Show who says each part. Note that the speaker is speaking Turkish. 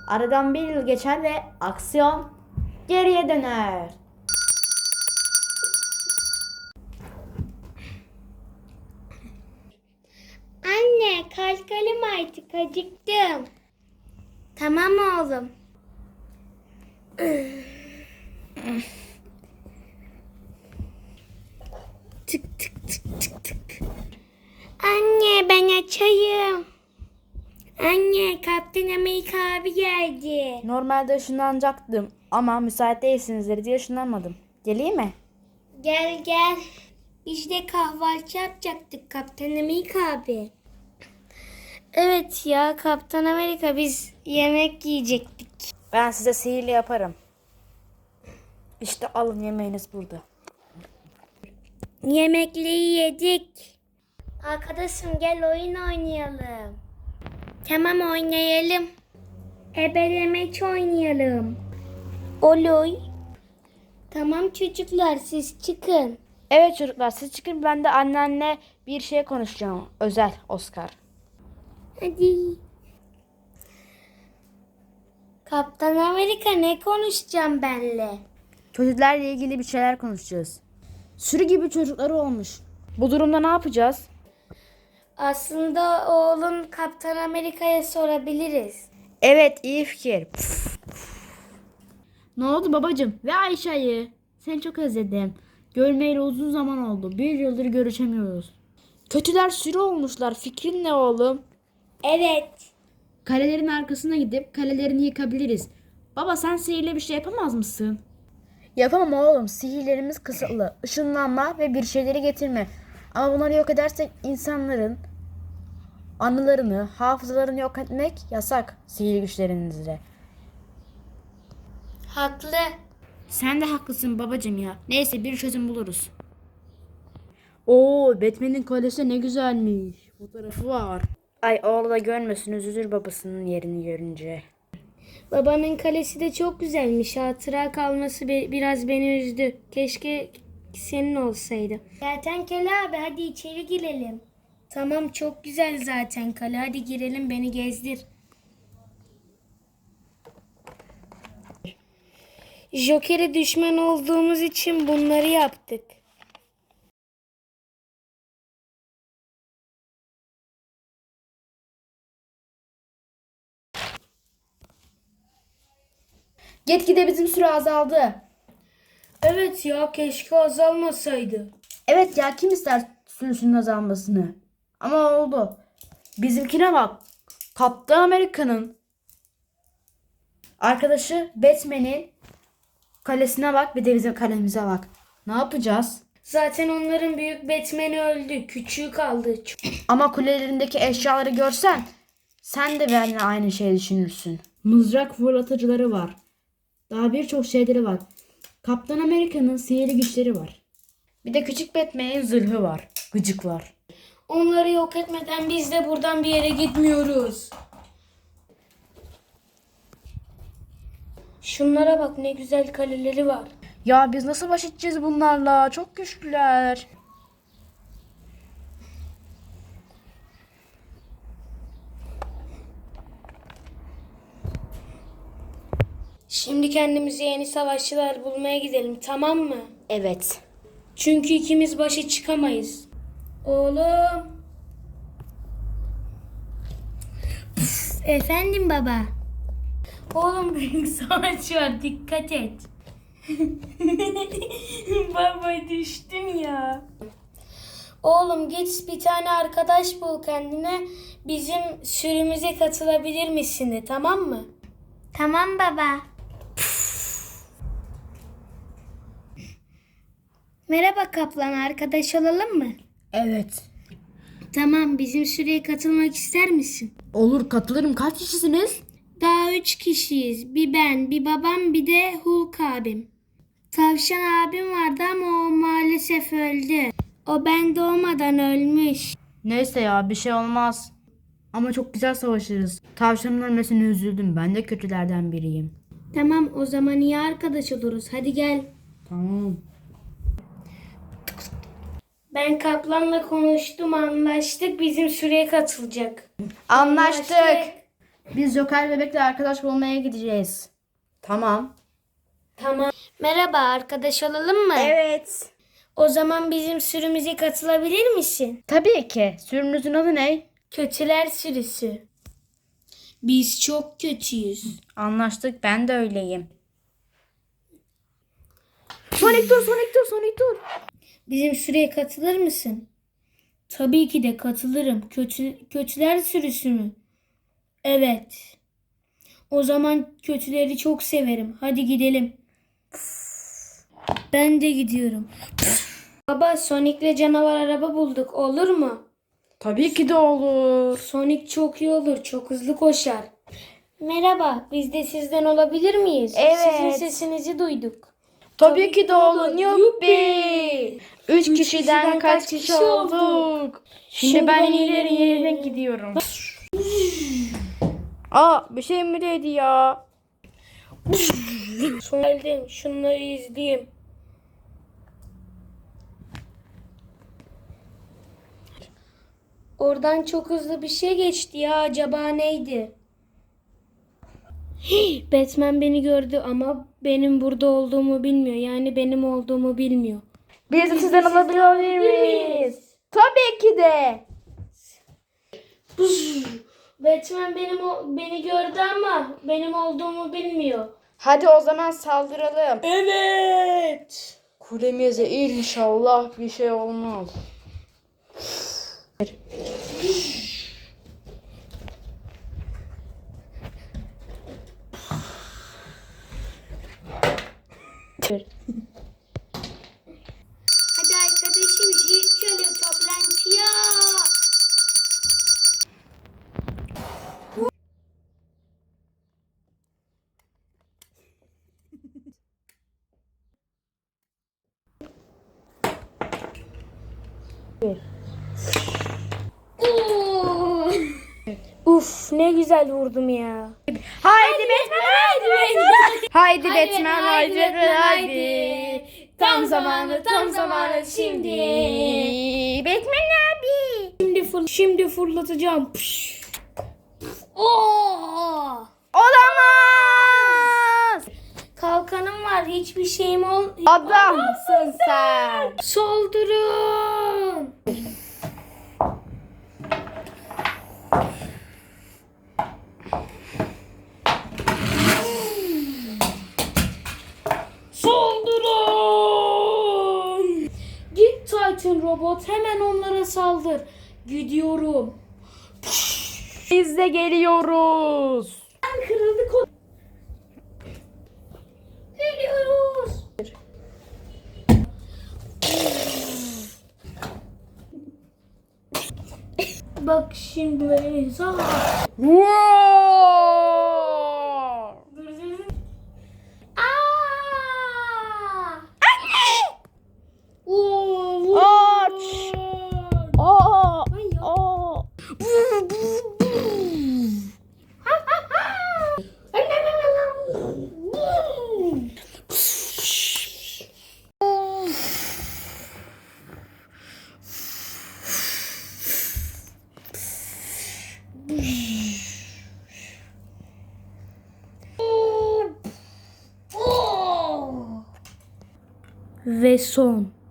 Speaker 1: Aradan bir yıl geçer ve aksiyon geriye döner.
Speaker 2: Anne, kalkalım artık, acıktım. Tamam oğlum. Tık tık tık tık tık. Anne, ben açayım. Anne, Kaptan Amerika abi geldi.
Speaker 1: Normalde ışınlanacaktım ama müsait değilsinizdir diye ışınlanmadım. Geleyim mi?
Speaker 2: Gel gel. Biz de kahvaltı yapacaktık Kaptan Amerika abi. Evet ya Kaptan Amerika, biz yemek yiyecektik.
Speaker 1: Ben size sihirli yaparım. İşte alın, yemeğiniz burada.
Speaker 2: Yemekleri yedik. Arkadaşım gel oyun oynayalım. Tamam oynayalım. Ebelemeç oynayalım. Olur. Tamam çocuklar, siz çıkın.
Speaker 1: Evet çocuklar, siz çıkın, ben de annenle bir şey konuşacağım. Özel Oscar.
Speaker 2: Hadi. Kaptan Amerika, ne konuşacağım benle?
Speaker 1: Çocuklarla ilgili bir şeyler konuşacağız. Sürü gibi çocukları olmuş. Bu durumda ne yapacağız?
Speaker 2: Aslında oğlun Kaptan Amerika'ya sorabiliriz.
Speaker 1: Evet, iyi fikir. Ne oldu babacığım ve Ayşe'yi? Seni çok özledim. Görmeyeli uzun zaman oldu. Bir yıldır görüşemiyoruz. Kötüler sürü olmuşlar. Fikrin ne oğlum?
Speaker 2: Evet.
Speaker 1: Kalelerin arkasına gidip kalelerini yıkabiliriz. Baba, sen sihirle bir şey yapamaz mısın? Yapamam oğlum. Sihirlerimiz kısıtlı. Işınlanma ve bir şeyleri getirme. Ama bunları yok edersek insanların anılarını, hafızalarını yok etmek yasak sihirli güçlerinizle.
Speaker 2: Haklı.
Speaker 1: Sen de haklısın babacığım ya. Neyse, bir çözüm buluruz. Oo, Batman'in kolesi ne güzelmiş. Fotoğrafı var. Ay, oğlu da görmesin, üzülür babasının yerini görünce.
Speaker 2: Babanın kalesi de çok güzelmiş. Hatıra kalması biraz beni üzdü. Keşke senin olsaydı. Kertenkele abi, hadi içeri girelim. Tamam, çok güzel zaten kale. Hadi girelim, beni gezdir. Joker'e düşman olduğumuz için bunları yaptık.
Speaker 1: Gitgide bizim süre azaldı.
Speaker 2: Evet ya, keşke azalmasaydı.
Speaker 1: Evet ya, kim ister sürüsünün azalmasını? Ama oldu. Bizimkine bak. Kaptan Amerika'nın arkadaşı Batman'in kalesine bak, bir de bizim kalemize bak. Ne yapacağız?
Speaker 2: Zaten onların büyük Batman'i öldü. Küçüğü kaldı.
Speaker 1: Ama kulelerindeki eşyaları görsen sen de benimle aynı şeyi düşünürsün. Mızrak fırlatıcıları var. Daha birçok şeyleri var. Kaptan Amerika'nın sihirli güçleri var. Bir de küçük Batman'in zırhı var. Gıcıklar.
Speaker 2: Onları yok etmeden biz de buradan bir yere gitmiyoruz. Şunlara bak, ne güzel kaleleri var.
Speaker 1: Ya biz nasıl baş edeceğiz bunlarla? Çok güçlüler.
Speaker 2: Şimdi kendimize yeni savaşçılar bulmaya gidelim, tamam mı?
Speaker 1: Evet.
Speaker 2: Çünkü ikimiz başa çıkamayız. Oğlum. Efendim baba. Oğlum, büyük savaş var, dikkat et. Baba, düştün ya. Oğlum, git bir tane arkadaş bul kendine. Bizim sürümüze katılabilir misin de, tamam mı? Tamam baba. Merhaba kaplan, arkadaş olalım mı?
Speaker 1: Evet.
Speaker 2: Tamam, bizim sürüye katılmak ister misin?
Speaker 1: Olur, katılırım. Kaç kişisiniz?
Speaker 2: Daha 3 kişiyiz. Bir ben, bir babam, bir de Hulk abim. Tavşan abim vardı ama o maalesef öldü. O ben doğmadan ölmüş.
Speaker 1: Neyse ya, bir şey olmaz. Ama çok güzel savaşırız. Tavşanın ölmesine üzüldüm. Ben de kötülerden biriyim.
Speaker 2: Tamam, o zaman iyi arkadaş oluruz. Hadi gel.
Speaker 1: Tamam.
Speaker 2: Ben kaplanla konuştum, anlaştık. Bizim süreye katılacak.
Speaker 1: Anlaştık. Biz Joker bebekle arkadaş olmaya gideceğiz. Tamam.
Speaker 2: Tamam. Merhaba, arkadaş olalım mı?
Speaker 1: Evet.
Speaker 2: O zaman bizim sürümüze katılabilir misin?
Speaker 1: Tabii ki. Sürünüzün adı ne?
Speaker 2: Kötüler sürüsü. Biz çok kötüyüz.
Speaker 1: Anlaştık, ben de öyleyim. Sonic dur.
Speaker 2: Bizim sürüye katılır mısın? Tabii ki de katılırım. Kötüler sürüsü mü? Evet. O zaman kötüleri çok severim. Hadi gidelim. Ben de gidiyorum. Baba, Sonic'le canavar araba bulduk. Olur mu?
Speaker 1: Tabii ki de olur.
Speaker 2: Sonic çok iyi olur. Çok hızlı koşar. Merhaba. Biz de sizden olabilir miyiz?
Speaker 1: Evet.
Speaker 2: Sizin sesinizi duyduk.
Speaker 1: Tabii ki de olur. Yuppi. 3 kişiden kaç kişi olduk? Şimdi ben ileri yerine gidiyorum. Aa, bir şey mi dedi ya?
Speaker 2: Geldim. Şunları izleyeyim. Oradan çok hızlı bir şey geçti ya. Acaba neydi? Batman beni gördü ama benim burada olduğumu bilmiyor. Yani benim olduğumu bilmiyor.
Speaker 1: Biz de sizden alabilir miyiz? Tabii ki de.
Speaker 2: Batman beni gördü ama benim olduğumu bilmiyor.
Speaker 1: Hadi o zaman saldıralım.
Speaker 2: Evet.
Speaker 1: Kulemize inşallah bir şey olmaz.
Speaker 2: Hadi arkadaşım, zil çalıyor, toplantıya. Oo. Uf, ne güzel vurdum ya.
Speaker 1: Haydi Batman, haydi Batman, haydi. Tam zamanı şimdi. Batman abi.
Speaker 2: Şimdi fırlatacağım. Pış. Oo.
Speaker 1: Olamaz.
Speaker 2: Kalkanım var, hiçbir şeyim
Speaker 1: Adamsın sen.
Speaker 2: Saldırın. Saldırın. Git Titan robot, hemen onlara saldır. Gidiyorum.
Speaker 1: Biz de geliyoruz.
Speaker 2: Kırıldı kol. Geliyoruz. Bak şimdi böyle.
Speaker 1: Wow. Aç. Aa. Aa.
Speaker 2: Ve son.